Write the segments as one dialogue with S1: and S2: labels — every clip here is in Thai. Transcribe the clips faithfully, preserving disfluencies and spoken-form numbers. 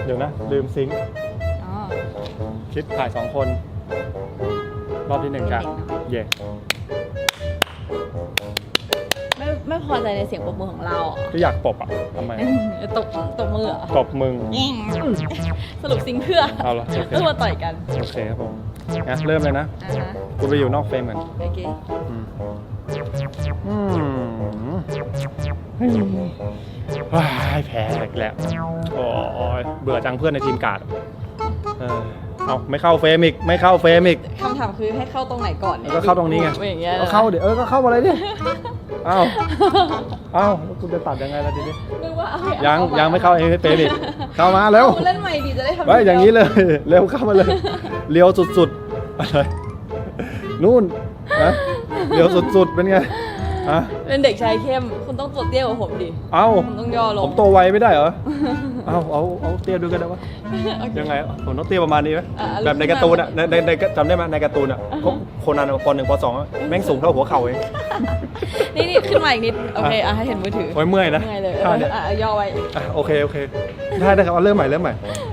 S1: ดี๋ยวนะลืมซิงค์คลิปถ่ายสองคนรอบที่หนึ่งครับเย่
S2: ไม่ไม่พอใจในเสียงปรบมือของเรา
S1: ก็อยากปบอ่ะทำไม
S2: ตบตบมือเหรอ
S1: ตบมึง
S2: สรุปซิงเพื่อ
S1: เอาละ
S2: ต้องมาต่อยกัน
S1: โอเคครับผมงั้นเริ่มเลยนะกูไปอยู่นอกเฟรมกัน
S2: โอเค
S1: อืมว้ายแพ้อีกแล้วโอ้ยเบื่อจังเพื่อนในทีมการ์ดเออเอาไม่เข้าเฟรมอีกไม่เข้าเฟรมอีก
S2: คำถามคือให้เข้าตรงไหนก่อนเนี่ย
S1: ก็เข้าตรงนี้ไงก็เข้าเดี๋ยวเออก็เข้ามาเลยดิเอ้าเอ้าแล้วคุณจะตัดยังไงล่ะทีนี้ยังยังไม่เข้าเองเฟรมอีกเข้ามาเร็ว
S2: เล่นใหม่ดีจะได้ทำ
S1: ไว้อย่างนี้เลยเร็วเข้ามาเลยเลี้ยวสุดๆอะไรนู่นนะเลี้ยวสุดๆเป็นไง
S2: เป็นเด็กชายเข้มคุณต้องตัวเตี้ยกว่าผมดิ
S1: เอ้า
S2: ผมต้องย่อลง
S1: ผมโตไวไม่ได้เหรอเอ้าเอาเอาเตี้ยดูกันได้ปะยังไงผมต้องเตี้ยประมาณนี้ไหมแบบในการ์ตูนอ่ะในในจำได้ไหมในการ์ตูนอ่ะโคนันปหนึ่งปสองแม่งสูงเท่าหัวเข่าเอง
S2: นี่นี่ขึ้นมาอีกนิดโอเคอ่ะให้เห็นมือถือ
S1: โอ้ยเมื่อยนะ
S2: เมื่อยเลยอ่ะย่อไว้
S1: อ่ะโอเคโอเคได้ได้ครับเอาเริ่มใหม่เริ่มใหม่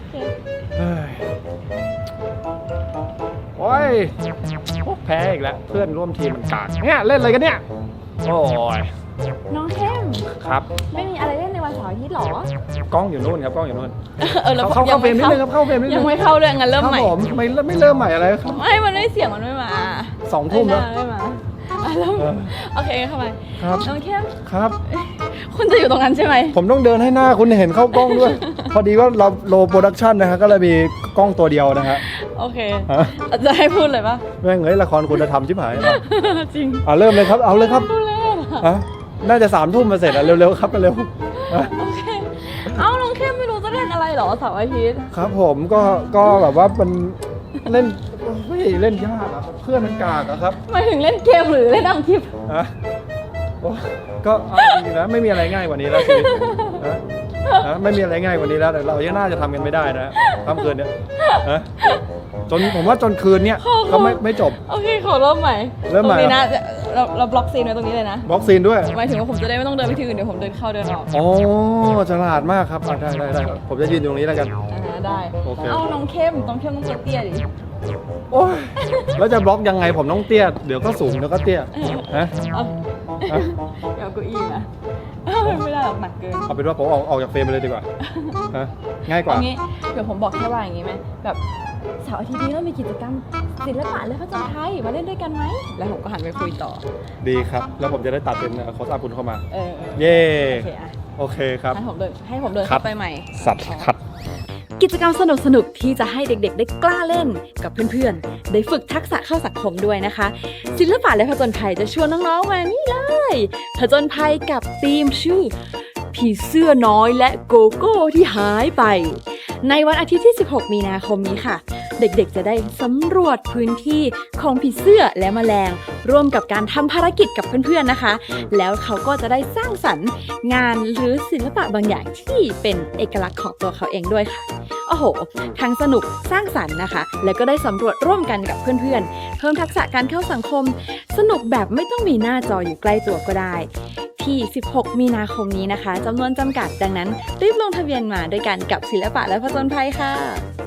S1: โอ้ยแพ้อีกแล้วเพื่อนร่วมทีมมันกากเนี่ยเล่นอะไรกันเนี่ยโอ้ย
S2: น้องเข้ม
S1: ครับ
S2: ไม่มีอะไรเล่นในวันเสาร์อาทิตย์หร
S1: อกล้องอยู่นู่นครับกล้องอยู่นู่น
S2: เออแล้ว
S1: เข้าเข้าเฟรมนิดนึงครับเข้าเฟรมนิดนึง
S2: ยังไม่เข้าเลยงั้นเริ่มใหม่
S1: ผมไม่ไม่เริ่มใหม่อะไรครับ
S2: ไม่มันไม่เสียงมันไม่มา
S1: สองทุ่มแล้ว
S2: ไม่มาโอเคเข้ามา
S1: ครับ
S2: น้องเข้ม
S1: ครับ
S2: คุณจะอยู่ตรงนั้นใช่ไหม
S1: ผมต้องเดินให้หน้าคุณเห็นเข้ากล้องด้วยพอดีว่าเราโลโปรดักชันนะฮะก็เลยมีกล้องตัวเดียวนะฮะ
S2: โอเคจะให้พูดเลยปะ
S1: แม่งเอ้ยละครคุณธรรมชิบหาย
S2: จริง
S1: อ่ะเริ่มเลยครับเอาเลยครับอ่ะน่าจะสามทุ่มมาเสร็จอ่ะเร็วๆครับเร็ว
S2: โอเคเอ้าน้องเข้มไม่รู้จะเล่นอะไรหรอเสาร์อาทิตย์
S1: ครับผมก็ก็แบบว่ามันเล่นไม่เล่นยากอะเพื่อนมันกากอะครับ
S2: หมายถึงเล่นเกมหรือเล่นอังคลิป
S1: อ่ะก็เอาจริงนะไม่มีอะไรง่ายกว่านี้แล้วชีวิตนะไม่มีอะไรง่ายกว่านี้แล้วแต่เรายังน่าจะทำกันไม่ได้นะค่ำคืนเนี้ยนะจนผมว่าจนคืนเนี้ยก็ไม่ไม่จบ
S2: โอเคขอเริ่มใหม่
S1: เริ่มใหม่
S2: นะเราเราบล็อกซีนไว้ตรงนี้เลยนะ
S1: บล็อกซีนด้วย
S2: หมายถึงว่าผมจะได้ไม่ต้องเดินไปที่อื่นเดี๋ยวผมเดินเข้าเดินออก
S1: โอ้ฉลาดมากครับได้ได้ได้ผมจะยืนอยู่ตรงนี้แล้วกัน
S2: ได้เอาน้องเข้มน้องเข้มต้องตัวเตี้ยดิ
S1: โอ้ยแล้วจะบล็อกยังไงผมต้องเตี้ยเดี๋ยวก็สูงเดี๋ยวก็เตี้ยฮะ
S2: เดี๋ยวกูอีนะไม่ได้หรอกหนักเกิน
S1: เอาเป็นว่าผมออกออกจากเฟรมไปเลยดีกว่าฮะง่ายกว่า
S2: งี้เดี๋ยวผมบอกแค่ว่าอย่างงี้ไหมแบบเสาร์อาทิตย์นี้เรามีกิจกรรมศิลปะและผจญภัยมาเล่นด้วยกันไหมแล้วผมก็หันไปคุยต่อ
S1: ดีครับแล้วผมจะได้ตัดเป็นโค้ชอาบุญเข้ามา
S2: เออ
S1: เย่โอเคครับ
S2: ให้ผมเดินให้ผมเดินเข้าไปใหม่
S1: สัตว์คัด
S2: กิจกรรมสนุกๆที่จะให้เด็กๆได้กล้าเล่นกับเพื่อนๆได้ฝึกทักษะเข้าสังคมด้วยนะคะศิลปะและผจญภัยจะชวนน้องๆมานี่เลยผจญภัยกับธีมชื่อผีเสื้อน้อยและโกโก้ที่หายไปในวันอาทิตย์ที่สิบหกมีนาคมนี้ค่ะเด็กๆจะได้สำรวจพื้นที่ของผีเสื้อและแมลงร่วมกับการทำภารกิจกับเพื่อนๆนะคะแล้วเขาก็จะได้สร้างสรรค์งานหรือศิลปะบางอย่างที่เป็นเอกลักษณ์ของตัวเขาเองด้วยค่ะโอ้โหทั้งสนุกสร้างสรรค์นะคะแล้วก็ได้สำรวจร่วมกันกับเพื่อนๆเพิ่มทักษะการเข้าสังคมสนุกแบบไม่ต้องมีหน้าจออยู่ใกล้ตัวก็ได้ที่สิบหกมีนาคมนี้นะคะจำนวนจำกัดดังนั้นรีบลงทะเบียนมาด้วยกันกับศิลปะและผจญภัยค่ะ